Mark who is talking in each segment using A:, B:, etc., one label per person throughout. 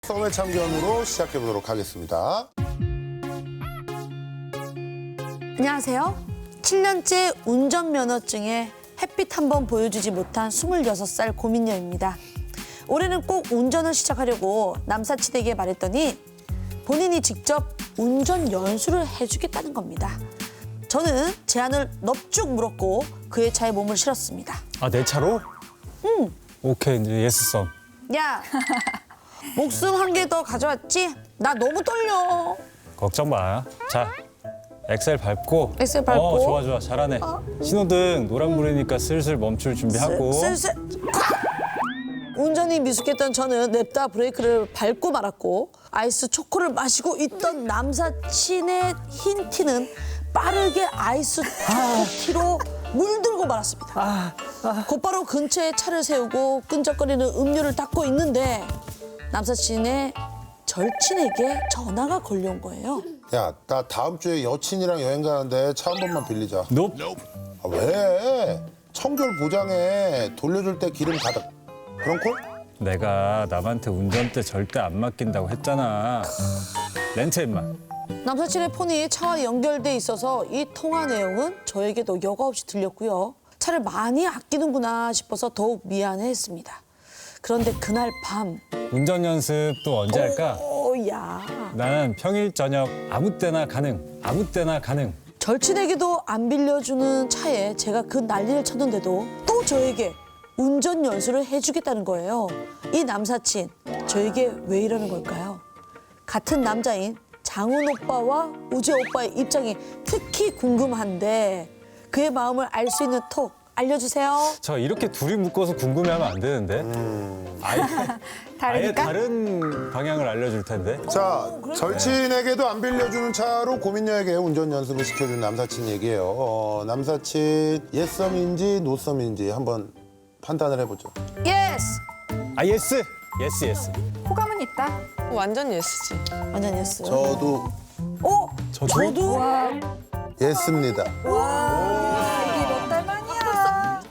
A: 썸의 참견으로 시작해보도록 하겠습니다.
B: 안녕하세요. 7년째 운전면허증에 햇빛 한 번 보여주지 못한 26살 고민녀입니다. 올해는 꼭 운전을 시작하려고 남사친에게 말했더니 본인이 직접 운전 연수를 해주겠다는 겁니다. 저는 제안을 넙죽 물었고 그의 차에 몸을 실었습니다.
C: 아, 내 차로?
B: 응.
C: 오케이, 이제 예스 썸.
B: 야, 목숨 한 개 더 가져왔지? 나 너무 떨려.
C: 걱정 마. 자, 엑셀 밟고.
B: 엑셀 밟고.
C: 좋아, 좋아. 잘하네. 신호등 노란불이니까 슬슬 멈출 준비하고.
B: 슬슬. 운전이 미숙했던 저는 냅다 브레이크를 밟고 말았고 아이스 초코를 마시고 있던 남사친의 흰 티는 빠르게 아이스 초코티로 물들고 말았습니다. 곧바로 근처에 차를 세우고 끈적거리는 음료를 닦고 있는데 남사친의 절친에게 전화가 걸려온 거예요.
A: 야, 나 다음 주에 여친이랑 여행 가는데 차 한 번만 빌리자.
C: 높.
A: 아, 왜? 청결 보장에 돌려줄 때 기름 가득. 그런 콜?
C: 내가 남한테 운전대 절대 안 맡긴다고 했잖아. 렌트 임마.
B: 남사친의 폰이 차와 연결돼 있어서 이 통화 내용은 저에게도 여과 없이 들렸고요. 차를 많이 아끼는구나 싶어서 더욱 미안해했습니다. 그런데 그날 밤
C: 운전 연습 또 언제 할까?
B: 오야
C: 나는 평일 저녁 아무 때나 가능. 아무 때나 가능.
B: 절친에게도 안 빌려주는 차에 제가 그 난리를 쳤는데도 또 저에게 운전 연수를 해주겠다는 거예요. 이 남사친 저에게 왜 이러는 걸까요? 같은 남자인 장훈 오빠와 우재 오빠의 입장이 특히 궁금한데 그의 마음을 알 수 있는 톡 알려주세요.
C: 저 이렇게 둘이 묶어서 궁금해하면 안 되는데. 아예
D: 다르니까?
C: 다른 방향을 알려줄 텐데.
A: 자, 절친에게도 안 빌려주는 차로 고민녀에게 운전 연습을 시켜준 남사친 얘기예요. 남사친 예썸인지 노썸인지 한번 판단을 해보죠.
B: 예스!
C: 아, 예스. 예스, 예스.
D: 호감은 있다.
E: 완전 예스지.
B: 완전 예스.
A: 저도
B: 저도?
A: 예스입니다.
D: 이게 몇 달 만이야.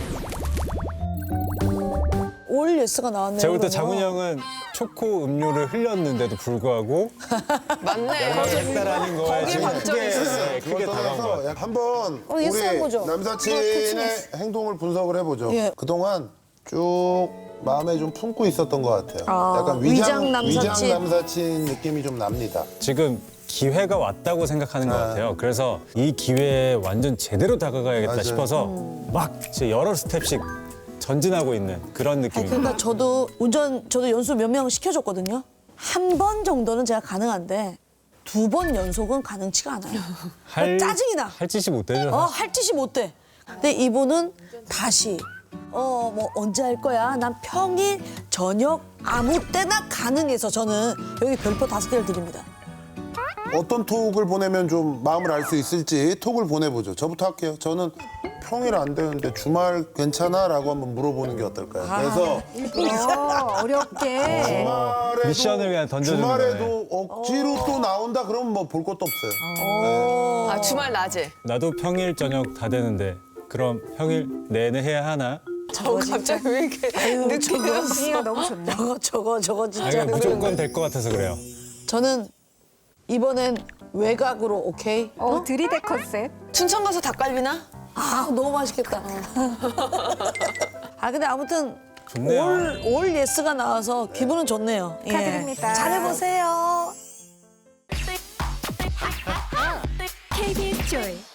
B: 올 예스가 나왔네요.
C: 제가 볼 때
B: 그러면.
C: 장훈이 형은 초코 음료를 흘렸는데도 불구하고
E: 맞네.
C: 했다라는 거에
E: 거기에
C: 지금
E: 방점이 있었어요.
C: 크게 다가온 거 같아요.
A: 한번
B: 예스
A: 우리
B: 해보죠.
A: 남사친의 행동을 분석을 해보죠.
B: 예.
A: 그동안 쭉 마음에 좀 품고 있었던 것 같아요. 약간
B: 위장 남사친.
A: 위장 남사친 느낌이 좀 납니다.
C: 지금 기회가 왔다고 생각하는 것 같아요. 그래서 이 기회에 완전 제대로 다가가야겠다
A: 맞아요.
C: 싶어서 막 이제 여러 스텝씩 전진하고 있는 그런
B: 아니,
C: 느낌입니다.
B: 그러니까 저도 연수 몇 명 시켜줬거든요. 한 번 정도는 제가 가능한데 2번 연속은 가능치가 않아요. 짜증이 나.
C: 할 짓이 못 되죠.
B: 할 짓이 못 돼. 근데 이분은 다시 뭐 언제 할 거야? 난 평일 저녁 아무 때나 가능해서 저는 여기 별표 5개를 드립니다.
A: 어떤 톡을 보내면 좀 마음을 알 수 있을지 톡을 보내보죠. 저부터 할게요. 저는 평일 안 되는데 주말 괜찮아? 라고 한번 물어보는 게 어떨까요? 그래서
D: 어렵게.
A: 주말에도,
C: 미션을 그냥 던져주는
A: 주말에도 억지로 또 나온다 그러면 뭐 볼 것도 없어요.
E: 아, 주말 낮에.
C: 나도 평일 저녁 다 되는데 그럼 평일 내내 해야 하나?
E: 갑자기 왜 이렇게 늦게 되었어?
D: 분위기가 너무 좋네.
B: 저거
C: 아니,
B: 진짜.
C: 그냥 무조건 될 것 같아서 그래요.
B: 저는 이번엔 외곽으로 오케이?
D: 들이대 컨셉.
E: 춘천 가서 닭갈비나?
B: 아 너무 맛있겠다. 아 근데 아무튼
C: 좋네요.
B: 올 예스가 나와서 기분은 좋네요. 예.
D: 축하드립니다.
B: 잘해보세요.
F: KBS 조이